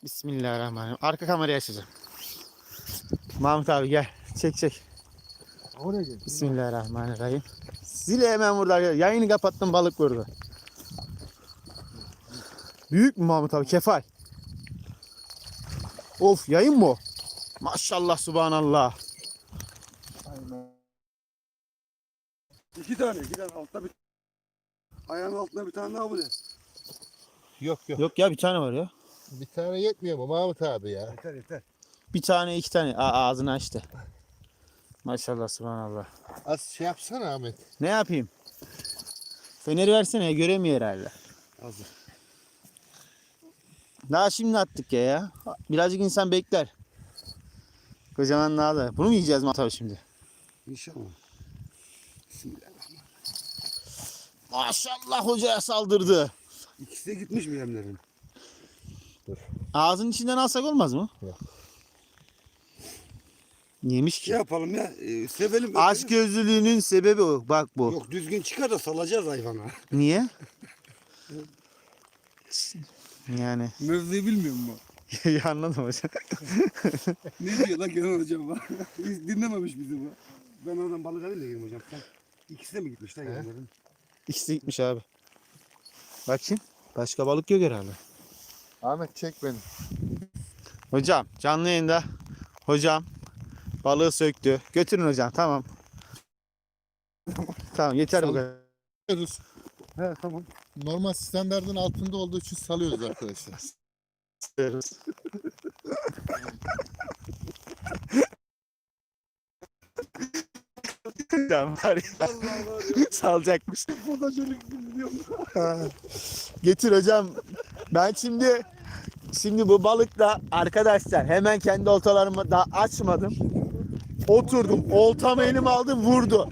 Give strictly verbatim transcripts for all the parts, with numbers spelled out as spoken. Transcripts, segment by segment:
Bismillahirrahmanirrahim. Arka kamerayı açacağım. Mahmut abi gel. Çek çek. Oraya gel. Bismillahirrahmanirrahim. Zile hemen burada. Yayını kapattım, balık vurdu. Büyük mü Mahmut abi? Kefal. Of, yayın mı o? Maşallah subhanallah. Aynen. İki tane, iki tane altta bir. Ayağın altında bir tane daha bu ne? Yok yok. Yok ya, bir tane var ya. Bir tane yetmiyor mu Mahmut abi ya? Yeter yeter. Bir tane, iki tane. Aa, ağzını açtı. Maşallah subhanallah. Az şey yapsana Ahmet. Ne yapayım? Feneri versene, göremiyor herhalde. Hazır. Daha şimdi attık ya ya. Birazcık insan bekler. Kocaman daha da. Bunu mu yiyeceğiz Mahmut abi şimdi? İnşallah. Bismillahirrahmanirrahim. Maşallah, hocaya saldırdı. İkisi de gitmiş mi yemlerin? Ağzının içinden alsak olmaz mı? Yok. Yemiş ki. Şey yapalım ya, e, sevelim. Aşk gözlülüğünün sebebi o. Bak bu. Yok, düzgün çıkar da salacağız hayvana. Niye? Yani. Mevzuyu bilmiyor mu? Ya anladım hocam. Ne diyor lan Kenan hocam bak. Hiç dinlememiş bizi bu. Ben oradan balık alayım da gelin hocam. Sen ikisi de mi gitmiş lan yemlerin? İkisi gitmiş abi. Bakayım. Başka balık yok herhalde. Ahmet çek beni. Hocam canlı yayında. Hocam balığı söktü. Götürün hocam, tamam. Tamam, yeter bu kadar. Salıyoruz. He tamam. Normal standardın altında olduğu için salıyoruz arkadaşlar. Hocam var ya, salacakmış. Burada şöyle biliyorum. Getir hocam. Ben şimdi şimdi bu balıkla arkadaşlar hemen kendi oltalarımı daha açmadım. Oturdum. Oltamı elime aldım, vurdu.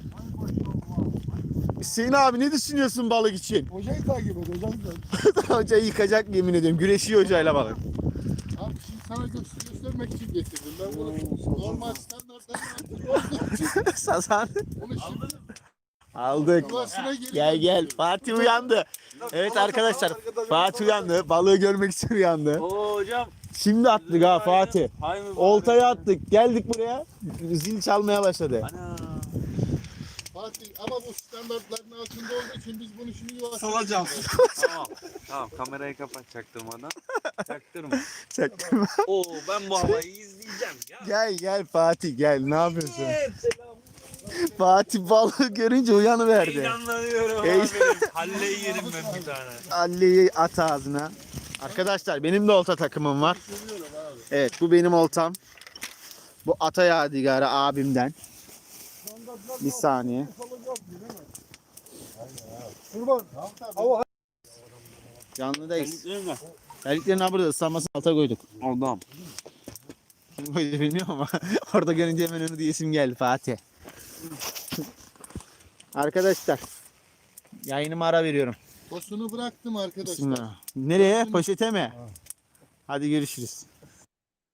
Hüseyin abi, ne düşünüyorsun balık için? Hocayı takip et hocam sen. Hocayı yıkacak, yemin ediyorum. Güreşiyor hocayla balık. Abi şimdi sana göster göstermek için getirdim. Ben bunu normal standartların altında olduğu için Sazan. bunu şimdi Aldık. yuvasına geri Gel gel. Fatih uyandı. Evet arkadaşlar. Fatih uyandı. Balığı görmek için uyandı. Oo hocam. Şimdi attık ha Fatih. Hay mı? Oltayı attık. Geldik buraya. Zil çalmaya başladı. Ana. Fatih ama bu standartların altında olduğu için biz bunu şimdi yuvasına Salacağım. Tamam. Tamam, kamerayı kapat çaktırmadan. Çaktırma. Çaktırma. Oo, ben bu havayı izleyeceğim ya. Gel gel Fatih gel. Ne yapıyorsun? Evet, selam. Fatih balığı görünce uyanıverdi. Heyecanlanıyorum Hey. abi. Halleyi yerim ben bir tane. Ali'yi at ağzına. Arkadaşlar benim de olta takımım var. Evet, bu benim oltam. Bu ata yadigarı abimden. Bir saniye. Kurban. Ama Canlıdayız. Terliklerin ha burada ıslanmasını alta koyduk. Adam. Kim koydu bilmiyorum ama orada görünce hemen onu diyesim geldi Fatih. Arkadaşlar yayınıma ara veriyorum. Tosunu bıraktım arkadaşlar. Bismillah. Nereye? Poşete mi? Hadi görüşürüz.